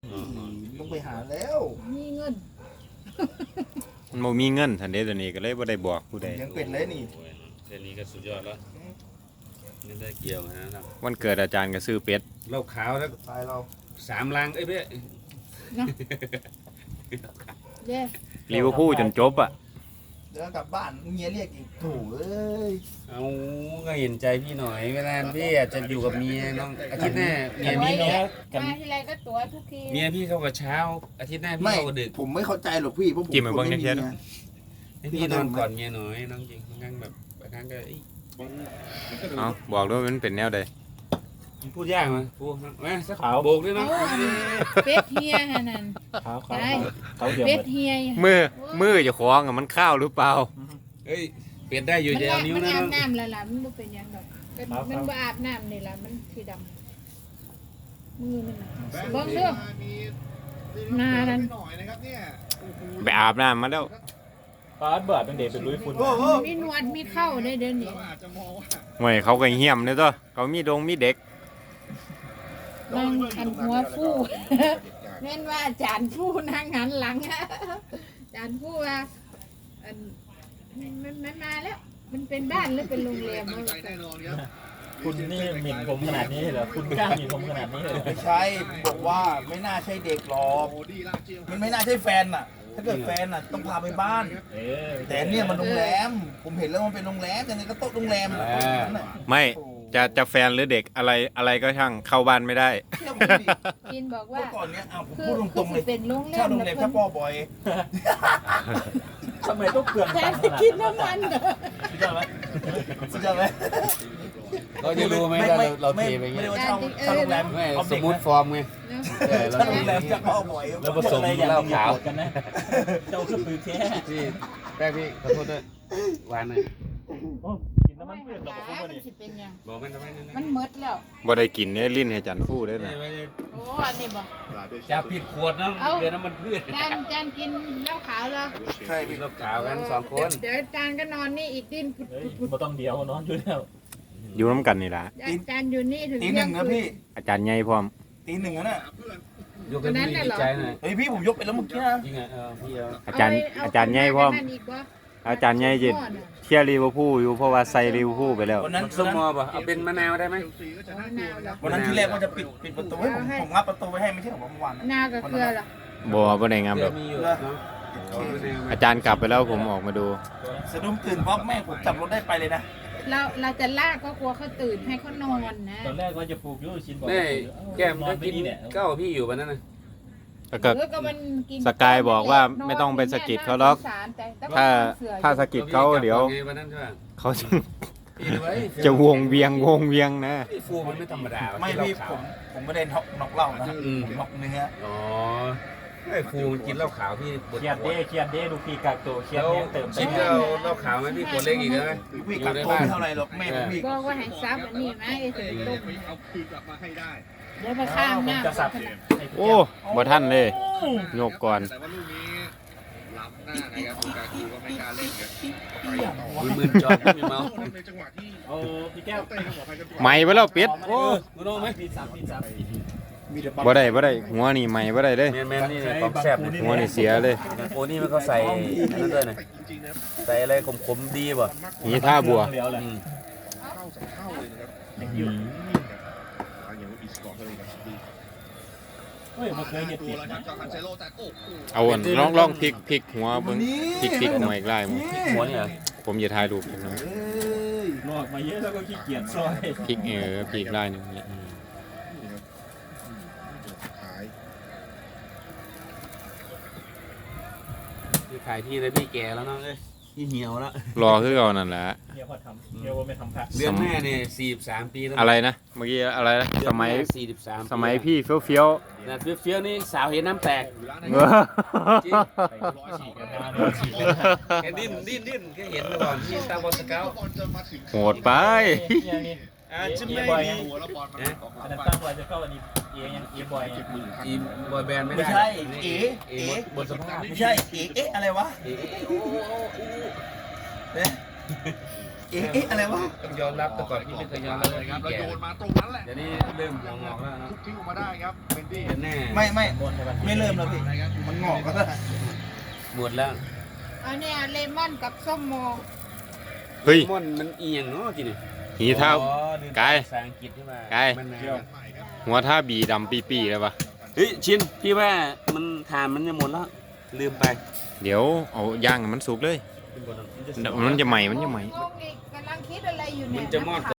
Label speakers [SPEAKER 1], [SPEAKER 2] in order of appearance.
[SPEAKER 1] ต้องไปหาแล้ว
[SPEAKER 2] มีเงิน
[SPEAKER 3] มันบ่มีเงินทันเดตัวนี้ก็เลยบ่ได้บอกผู้ใด
[SPEAKER 1] ยังเป็นเลยนี่
[SPEAKER 4] แค่นี้ก็สุดยอดแล้วไม่ได้เกี่ยวนะครับ
[SPEAKER 3] วันเกิดอาจารย์ก็ซื้อเป็ด
[SPEAKER 4] เหล้าขาวแล้ว
[SPEAKER 1] ตายเรา
[SPEAKER 4] 3 ลังเอ้ยเพื่อ
[SPEAKER 2] เย้
[SPEAKER 3] ลิเวอร์พูลจนจบอ่ะ
[SPEAKER 1] เดี๋ยวกลับบ้านเมียเรียกอีกโถ่เอ้ย
[SPEAKER 4] เอาก็เห็นใจพี่หน่อยเวลาพี่อาจจะอยู่กับเมียน้องอาทิตย์หน้าเมียพี่
[SPEAKER 2] มาทีไรก็ตัวทุกที
[SPEAKER 4] เมียพี่เข้ากับเช้าอาทิตย์หน้าพี่เข้ากับดึก
[SPEAKER 1] ผมไม่เข้าใจหรอกพี่เพราะผม
[SPEAKER 3] จิ้มไปเบิ่งในเช็ด
[SPEAKER 4] ให้พี่นอนก่อนเมียหน่อยน้องจริงบางครั้งแบบบางครั้งก็
[SPEAKER 3] เอาบอกด้วยมันเป็นแนวใด
[SPEAKER 4] พูดยากมั้ยพูดมาสักขาวโบกด้วยเนาะ
[SPEAKER 2] เป็ดเฮียนั่นเขาเดี๋ยวเป็ดเฮีย
[SPEAKER 3] มือจะคล้องมันข้าวหรือเปล่า
[SPEAKER 4] เฮ้ยเปลี่ยนได้อยู่เดียวนิ้วนะ
[SPEAKER 2] มันอาบน้ำละล่ะมันบ่เป็นยังดอกมันบ่อาบน้ำนี่ล่ะมันสีดำมือมันเบิ่งเด้อมานั่น
[SPEAKER 3] ไปอาบน้ำมาแล้ว
[SPEAKER 5] ปาดเบิดเป็นเด็กเป็นลุยฝุ่น
[SPEAKER 2] มีหนวดมีเข้าได้เดี๋ยวนี้
[SPEAKER 3] ห่วยเขาก็เหี้ยมเลยตัวเขามีเด็ก
[SPEAKER 2] นั่งอันหัวฟู่แม่นว่าอาจารย์ฟู่นั่งหันหลังอาจารย์ฟู่ว่ามันมาแล้วมันเป็นบ้านหรือเป็นโรงแรม
[SPEAKER 5] คุณนี่หมิ่นผมขนาดนี้เหรอคุณกล้าหมิ่นผมขนาดนี้เลย
[SPEAKER 1] ไม่ใช่บอกว่าไม่น่าใช่เด็กหรอกมันไม่น่าใช่แฟนน่ะถ้าเกิดแฟนน่ะต้องพาไปบ้านแต่เนี่ยมันโรงแรมผมเห็นแล้วมันเป็นโรงแรมแต่นี่ก็โต๊ะโรงแรม
[SPEAKER 3] ไม่จะแฟนหรือเด็กอะไรก็ช่างเข้าบ้านไม่ได้
[SPEAKER 2] กินบอกว่า
[SPEAKER 1] ก่อนเนี้ยผมพูดตรงๆเลย
[SPEAKER 2] เป็นโรงแรม
[SPEAKER 1] เช่าโรงแรมถ้าพ่อบ่อย
[SPEAKER 5] ทำไมต้องเปลือง
[SPEAKER 2] แทนที่กินน้ำมันเหรอ
[SPEAKER 1] สุดยอดไหม
[SPEAKER 4] เราจะรู้ไหมเราเทไปเงี้ย
[SPEAKER 1] ไม่ได้ว่าเช่าโรงแรม
[SPEAKER 4] สมมุติฟอร์มไง
[SPEAKER 1] เช่าโรงแรมจะพ่อบ่อย
[SPEAKER 4] แล้วผสมเหล้าขาว
[SPEAKER 5] กันนะเจ้าคือปืนแท้
[SPEAKER 4] พี่ได้พี่ขอโทษด้วยหวานหน่อย
[SPEAKER 5] กินน้ำมันเปลือกเราบอกว่านี่
[SPEAKER 4] บอกมันทำไม
[SPEAKER 2] มันเมิดแล้ว
[SPEAKER 3] บ่ได้กินเนี่ยลิ้นให้จันฟูได้นะ
[SPEAKER 2] โอ้อันนี้บ่
[SPEAKER 4] จะผิดขวดนะเดือนน้ำมันพืช
[SPEAKER 2] จานกินเหล้าขาวแล้ว
[SPEAKER 4] ใช่พี่เหล้าขาวกัน2 คน
[SPEAKER 2] เดี๋ยวจานก็นอนนี่อีกดิ้น
[SPEAKER 5] บ่ต้องเดียวนอนอยู่แล้ว
[SPEAKER 3] อยู่น้ำกันนี่ล่ะ
[SPEAKER 2] จานอยู่นี่ถึง
[SPEAKER 1] ตี 1นะพี่
[SPEAKER 3] อาจารย์ใหญ่พร้อม
[SPEAKER 1] ตี 1นะ
[SPEAKER 4] ยกกันพี่ดีใจหน่อย
[SPEAKER 1] เฮ้ยพี่ผมยกไปแล้วเมื่อกี้นะ
[SPEAKER 4] จริงอ่ะพี่
[SPEAKER 3] อาจารย์ใหญ่พร้อมอาจารย์ใหญ่จิเชียร์ลิเวอร์พูลอยู่เพราะว่าใส่ลิเวอร์พูลไปแล้ว
[SPEAKER 4] วันนั้นสมอป่ะเอาเป็นมะนาวได้ไหม
[SPEAKER 1] วันนั้นที่แรกว่าจะปิดประตูให้ผมงับประตูไว้ให้ไม่ใช่ของเมื่อวาน
[SPEAKER 2] นากับเกลือหรอ
[SPEAKER 3] บ่ได้งามหรอกอาจารย์กลับไปแล้วผมออกมาดู
[SPEAKER 1] สะดุ้งตื่นเพราะแม่ผมจับรถได้ไปเลยนะ
[SPEAKER 2] เราจะลากก็กลัวเขาตื่นให้เขานอนนะ
[SPEAKER 5] ตอนแรกว่าจะปลูกยูชินบอก
[SPEAKER 4] แก้มก็กินก็พี่อยู่วันนั้นนะ
[SPEAKER 3] แล้วก็สกายบอกว่าไม่ต้องไปสกิดเขาหรอกถ้าสกิดเขาเดี๋ยวเขาจะวงเวียงนะ
[SPEAKER 4] พี่ฟูมันไม่ธรรมดา
[SPEAKER 1] ไม่พี่ผมไม่ได้น็อกเหล้านะน็อกเนื้อ
[SPEAKER 4] อ๋อไอ้ฟูมันกินเหล้าขาวพี่
[SPEAKER 5] เครียดเด้ดูพี่กักตัวเครียดเติม
[SPEAKER 4] ชิมเหล้าขาวไหมพี่คนเล็กอีกนะ
[SPEAKER 1] พี่กักตัวเท่าไรหรอกแม่พี่
[SPEAKER 2] บอกว่าให้ซับอันนี้ไหมไอ้ถึงต้มเอาคืนกลับมาให้ได้เดี๋ยวมาข้ามหน้า
[SPEAKER 3] โอ้บ่ท่านเลยโยกก่อน
[SPEAKER 4] ล้ำหน้านะครับคุณกาคูก็ไม่กล้าเล่นกันมือจอดไม่เมาในจังหวะที่
[SPEAKER 5] พี่แก้ว
[SPEAKER 3] ใหม่ไปแล้วเป็ด
[SPEAKER 4] โอ้โน้ไหม
[SPEAKER 3] บ่ได้หัวนี่ใหม่บ่ได้เลย
[SPEAKER 4] แมนนี่ความแซ่บ
[SPEAKER 3] หัวนี่เสียเลย
[SPEAKER 4] โอ้นี่มันเขาใส่นั่นด้วยนะใส่อะไรขมๆดีป่ะ
[SPEAKER 3] นี่ท่าบัวเอาลองพลิกหัวเบิ่งพลิกหัวอีกไล่มั้ง
[SPEAKER 4] หัวนี่เหรอ
[SPEAKER 3] ผมจะถ่ายรูปนะ
[SPEAKER 5] ลอกมาเยอะแล้วก็ขี้เกียจซอย
[SPEAKER 3] พลิกไล่นึงนี่
[SPEAKER 4] ขายที่เลยพี่แก่แล้วน้องเอ้ยพี่เหี่ยวแล้ว
[SPEAKER 3] รอคือเอานั่นแหละ
[SPEAKER 5] เหี่ยวพอทำเหี่ยวไม่ทำพัก
[SPEAKER 4] เดือนแม่เนี่ย43 ปีแล้ว
[SPEAKER 3] อะไรนะเมื่อกี้อะไรนะสมัย
[SPEAKER 4] 43
[SPEAKER 3] สมัยพี่เฟี้ยว
[SPEAKER 4] นะเฟี้ยวนี่สาวเห็นน้ำแตกจริงแกดิ้นแกเห็นก่อนที่ตาบอลสเกล
[SPEAKER 3] โหดไป
[SPEAKER 4] ชิมไม่ดี
[SPEAKER 5] อันนั้นตั้งไว้จะเข้าอันนี้บ
[SPEAKER 4] อยแบนด์ไม่
[SPEAKER 1] ใช่
[SPEAKER 4] บนสภาพ
[SPEAKER 1] ไม่ใช่อะไรวะเอ๊ะอะไรวะ
[SPEAKER 4] ต้องยอมรับแต่ก่อนพี่ไม่เคยยอมรับเลยครับแล้วโยนมาตรงนั้นแหละเดี๋ยวนี้เริ่มงอกแล้วนะทุกทิ้งออกมาได้ครับเป็นที่แน่
[SPEAKER 1] ไม่เริ่มแล้วพี่มันงอกก็ได้
[SPEAKER 4] หมดแล้ว
[SPEAKER 2] อันเนี้ยเลมอนกับส้มโม
[SPEAKER 3] เฮ้ย
[SPEAKER 4] มันเอียงเนาะทีนี้
[SPEAKER 3] หีเท้า ไกล
[SPEAKER 4] ภาษาอังกฤษที่ว่า
[SPEAKER 3] ไกล
[SPEAKER 4] มัน
[SPEAKER 3] หัวท่าบีดำปีๆเลยปะ
[SPEAKER 4] เฮ้ยชินพี่ว่ามันทานมันจะหมดแล้วลืมไป
[SPEAKER 3] เดี๋ยวเอาย่างให้มันสุกเลย มันจะใหม่
[SPEAKER 2] งงอีกกำลังคิดอะไรอยู่เนี่ย
[SPEAKER 4] มันจะมอด